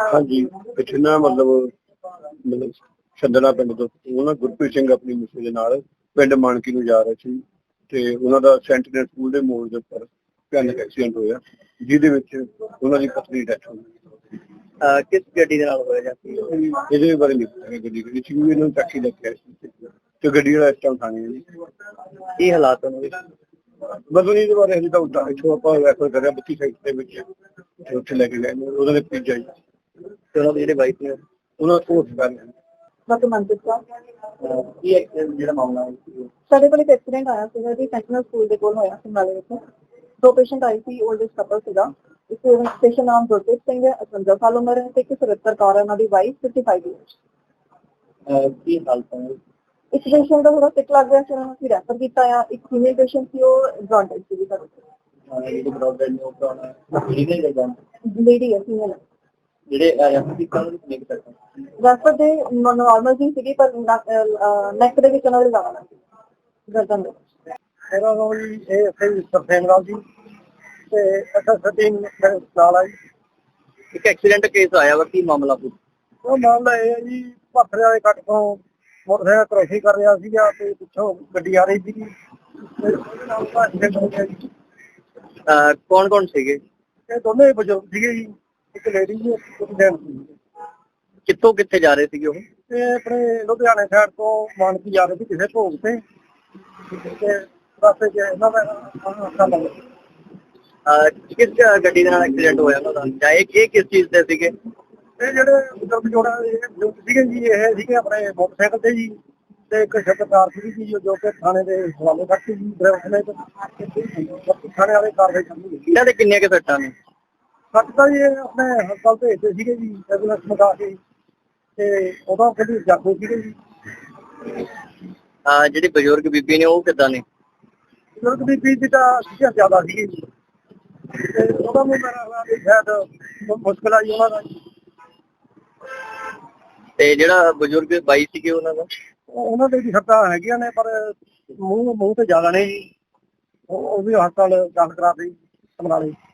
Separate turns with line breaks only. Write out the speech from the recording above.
ਹਾਂਜੀ ਪਿੱਛੇ ਨਾ ਮਤਲਬ ਛੰਦਣਾ ਪਿੰਡ ਤੋਂ ਉਹਨਾਂ ਗੁਰਪ੍ਰੀਤ ਸਿੰਘ ਆਪਣੀ ਮਿਸੇ ਦੇ ਨਾਲ ਪਿੰਡ ਮਾਨਕੀ ਨੂੰ ਜਾ ਰਹੇ ਸੀ ਤੇ ਉਹਨਾਂ ਦਾ ਸੈਂਟੀਨਲ ਸਕੂਲ ਦੇ ਮੋੜ ਦੇ ਉੱਪਰ ਭਿਆਨਕ ਐਕਸੀਡੈਂਟ ਹੋਇਆ ਜਿਹਦੇ ਵਿੱਚ ਉਹਨਾਂ ਦੀ ਪਤਨੀ ਡੈਥ ਹੋ ਗਈ।
ਕਿਸ ਗੱਡੀ ਦੇ ਨਾਲ ਹੋਇਆ ਜਾਂ
ਇਹਦੇ ਬਾਰੇ ਨਹੀਂ ਪਤਾ ਗੱਡੀ ਵਿੱਚ ਵੀ ਇਹਨਾਂ ਨੂੰ ਟੈਕਸੀ ਲੈ ਕੇ ਆਏ ਸੀ ਤੇ ਗੱਡੀ ਵਾਲਾ ਇਸ ਟਾਈਮ ਥਾਣੇ ਹੈ ਜੀ।
ਕੀ ਹਾਲਾਤ ਨੇ?
ਮਤਲਬ ਇਹਦੇ ਬਾਰੇ ਹਜੇ ਤਾਂ ਇੱਥੋਂ ਆਪਾਂ ਰੈਫਰ ਕਰਿਆ 32 ਸਾਈਡ ਦੇ ਵਿੱਚ ਤੇ ਉੱਥੇ ਲੈ ਕੇ ਗਏ ਨੇ ਉਹਨਾਂ ਦੇ ਭਤੀਜਾ ਜੀ
ਤੇ ਉਹਨਾਂ ਦੇ ਜਿਹੜੇ ਵਾਈਫ ਨੇ
ਉਹਨਾਂ ਕੋਲ ਕਰ
ਕੀ ਐਕਸੀਡੈਂਟ ਜਿਹੜਾ ਮਾਮਲਾ ਹੈ?
ਸਾਡੇ ਕੋਲ ਇੱਕ ਐਕਸੀਡੈਂਟ ਆਇਆ ਸੀਗਾ ਜੀ ਸੈਂਟੀਨਲ ਸਕੂਲ ਦੇ ਕੋਲ ਹੋਇਆ ਸਮਰਾਲੇ ਵਿੱਚ। ਦੋ ਪੇਸ਼ੈਂਟ ਆਏ ਸੀ, 올ਡ ਏਜ ਕਪਲ ਸੀਗਾ। ਇੱਕ ਪੇਸ਼ੈਂਟ ਨਾਮ ਗੁਰਪ੍ਰੀਤ ਸਿੰਘ ਹੈ, 55 ਸਾਲ ਉਮਰ ਹੈ, ਤੇ ਇੱਕ 77 ਕੌਰ ਹੈ, ਉਹਨਾਂ ਦੀ ਵਾਈਫ 55 ਇਅਰਸ।
ਕੀ ਹਾਲਤ ਹੈ?
ਇੱਕ ਪੇਸ਼ੈਂਟ ਦਾ ਥੋੜਾ ਸਿੱਕ ਲੱਗ ਰਿਹਾ ਸੀ, ਉਹਨਾਂ ਨੂੰ ਰੈਫਰ ਕੀਤਾ ਆ। ਇੱਕ ਫੀਮੇਲ ਪੇਸ਼ੈਂਟ ਸੀ, ਉਹ ਜੌਂਡਿਸ ਸੀ ਸਾਡੇ ਕੋਲ।
ਜਿਹੜੀ ਬ੍ਰੌਡਬੈਂਡ ਨੇ ਉਹ ਕਰਾਉਣਾ ਠੀਕ ਹੈ ਜਾਂ
ਲੇਡੀ ਹੈ, ਫੀਮੇਲ ਹੈ।
ਜਿਹੜੇ ਰੈਫਰ ਕੀਤਾ ਉਹਨਾਂ ਨੂੰ ਕਿੰਨੇ ਕਰਤਾ?
ਰੈਫਰ ਦੇ ਨਾਰਮਲ ਜੀ ਸੀਗੀ, ਪਰ ਨੈਕ ਦੇ ਵਿੱਚ ਉਹਨਾਂ ਦੇ ਜ਼ਿਆਦਾ ਸੀ, ਗਰਦਨ ਦੇ।
ਮੇਰਾ ਨਾਮ ਜੀ ਇਹ ਸਰਸੇਮ ਰਾਮ ਜੀ ਤੇ SST ਨਾਲ ਆ ਜੀ।
ਇੱਕ ਐਕਸੀਡੈਂਟ ਕੇਸ ਆਇਆ ਵਾ, ਕੀ ਮਾਮਲਾ ਪੁੱਛ?
ਉਹ ਮਾਮਲਾ ਇਹ ਹੈ ਜੀ ਭਾਖੜੇ ਵਾਲੇ ਕੱਟ ਤੋਂ ਮੋਟਰਸਾਈਕਲ ਕ੍ਰੋਸਿੰਗ ਕਰ ਰਿਹਾ ਸੀਗਾ ਤੇ ਪਿੱਛੋਂ ਗੱਡੀ ਆ ਰਹੀ ਸੀਗੀ ਤੇ ਉਹਦੇ ਨਾਲ ਉਹਦਾ ਐਕਸੀਡੈਂਟ ਹੋ ਗਿਆ ਜੀ।
ਕੌਣ ਕੌਣ ਸੀਗੇ?
ਇਹ ਦੋਨੇ ਬਜ਼ੁਰਗ ਸੀਗੇ ਜੀ, ਇੱਕ ਲੇਡੀ ਜੀ ਇੱਕ ਜੈਂਟ ਸੀ।
ਕਿੱਥੋਂ ਕਿੱਥੇ ਜਾ ਰਹੇ ਸੀਗੇ ਉਹ?
ਤੇ ਆਪਣੇ ਲੁਧਿਆਣੇ ਸਾਈਡ ਤੋਂ ਮਾਨਕੀ ਜਾ ਰਹੇ ਸੀ ਕਿਸੇ ਭੋਗ ਤੇ ਰਸਤੇ 'ਚ ਇਹਨਾਂ ਦਾ ਹਾਦਸਾ ਲੱਗ ਗਿਆ।
ਕਿਸ ਗੱਡੀ ਦੇ ਨਾਲ ਐਕਸੀਡੈਂਟ ਹੋਇਆ ਉਹਨਾਂ ਦਾ ਜਾਂ ਇਹ ਕਿਸ ਚੀਜ਼ ਦੇ ਸੀਗੇ?
ਇਹ ਜਿਹੜੇ ਬਜ਼ੁਰਗ ਜੋੜਾ ਬਜ਼ੁਰਗ ਸੀਗੇ ਜੀ, ਇਹ ਸੀਗੇ ਆਪਣੇ ਮੋਟਰਸਾਈਕਲ ਤੇ ਜੀ ਤੇ ਇੱਕ ਸ਼ਬਦਕਾਰ ਸੀਗੀ ਜੀ ਜੋ ਕਿ ਥਾਣੇ ਦੇ ਹਵਾਲੇ ਕਰਤੀ ਜੀ ਡਰਾਈਵਰ ਨੇ ਥਾਣੇ ਵਾਲੇ ਕਾਰਵਾਈ ਕਰਨੀ।
ਇਹਨਾਂ ਦੇ ਕਿੰਨੀਆਂ ਕੁ ਸੱਟਾਂ ਨੇ?
ਸੱਟ ਤਾਂ ਜੀ ਇਹ ਆਪਣੇ ਹਸਪਤਾਲ ਭੇਜਦੇ ਸੀਗੇ ਜੀ ਐਂਬੂਲੈਂਸ ਮੰਗਾ ਕੇ ਤੇ ਉਹਦਾ ਕਦੀ ਜਾਗੋ ਸੀਗੇ ਜੀ।
ਜਿਹੜੀ ਬਜ਼ੁਰਗ ਬੀਬੀ ਨੇ ਉਹ ਕਿੱਦਾਂ ਨੇ?
ਬਜ਼ੁਰਗ ਬੀਬੀ ਦੀ ਤਾਂ ਸੀਗਾ ਜ਼ਿਆਦਾ ਸੀਗੀ ਜੀ ਤੇ ਉਹਦਾ ਵੀ ਮੇਰਾ ਖਿਆਲ ਸ਼ਾਇਦ ਮੁਸ਼ਕਿਲ ਆਈ ਉਹਨਾਂ ਦਾ।
ਤੇ ਜਿਹੜਾ ਬਜ਼ੁਰਗ ਬਾਈ ਸੀਗੇ
ਉਹਨਾਂ ਦੇ ਵੀ ਸੱਟਾਂ ਹੈਗੀਆਂ ਨੇ ਪਰ ਮੂੰਹ ਤੇ ਜ਼ਿਆਦਾ ਨੇ ਜੀ। ਉਹ ਵੀ ਹਸਪਤਾਲ ਦਾਖਲ ਕਰਾ ਦਿੱਤੀ ਸਮਰਾਲੇ।